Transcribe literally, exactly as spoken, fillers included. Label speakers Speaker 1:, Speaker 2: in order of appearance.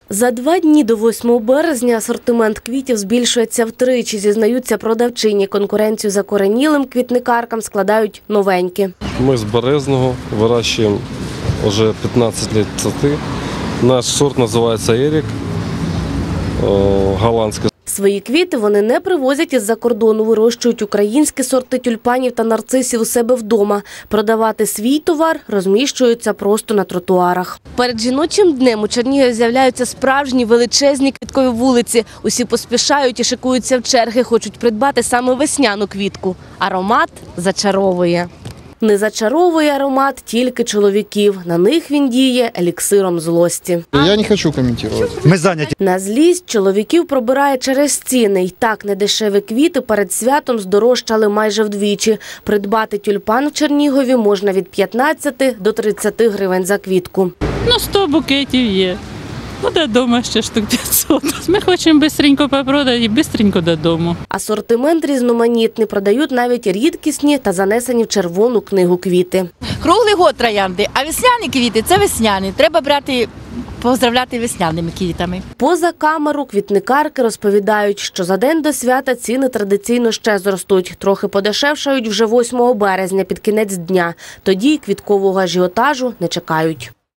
Speaker 1: За два дні до восьмого березня асортимент квітів збільшується втричі, зізнаються продавчині. Конкуренцію закоренілим квітникаркам складають новенькі.
Speaker 2: Ми з Березного вирощуємо вже п'ятнадцять років. Наш сорт називається Ерік, голландський.
Speaker 1: Свої квіти вони не привозять із-за кордону, вирощують українські сорти тюльпанів та нарцисів у себе вдома. Продавати свій товар розміщуються просто на тротуарах. Перед жіночим днем у Чернігові з'являються справжні величезні квіткові вулиці. Усі поспішають і шикуються в черги, хочуть придбати саме весняну квітку. Аромат зачаровує. Не зачаровує аромат тільки чоловіків. На них він діє еліксиром злості.
Speaker 3: Я не хочу коментувати.
Speaker 4: Ми зайняті.
Speaker 1: На злість чоловіків пробирає через ціни. Й так недешеві квіти перед святом здорожчали майже вдвічі. Придбати тюльпан в Чернігові можна від п'ятнадцяти до тридцяти гривень за квітку.
Speaker 5: Ну, сто букетів є. Ну, додому ще штук п'ятсот. Ми хочемо швидко попродати і швидко додому.
Speaker 1: Асортимент різноманітний. Продають навіть рідкісні та занесені в червону книгу квіти.
Speaker 6: Круглий год троянди, а весняні квіти – це весняні. Треба брати, поздравляти весняними квітами.
Speaker 1: Поза камеру квітникарки розповідають, що за день до свята ціни традиційно ще зростуть. Трохи подешевшають вже восьмого березня під кінець дня. Тоді квіткового ажіотажу не чекають.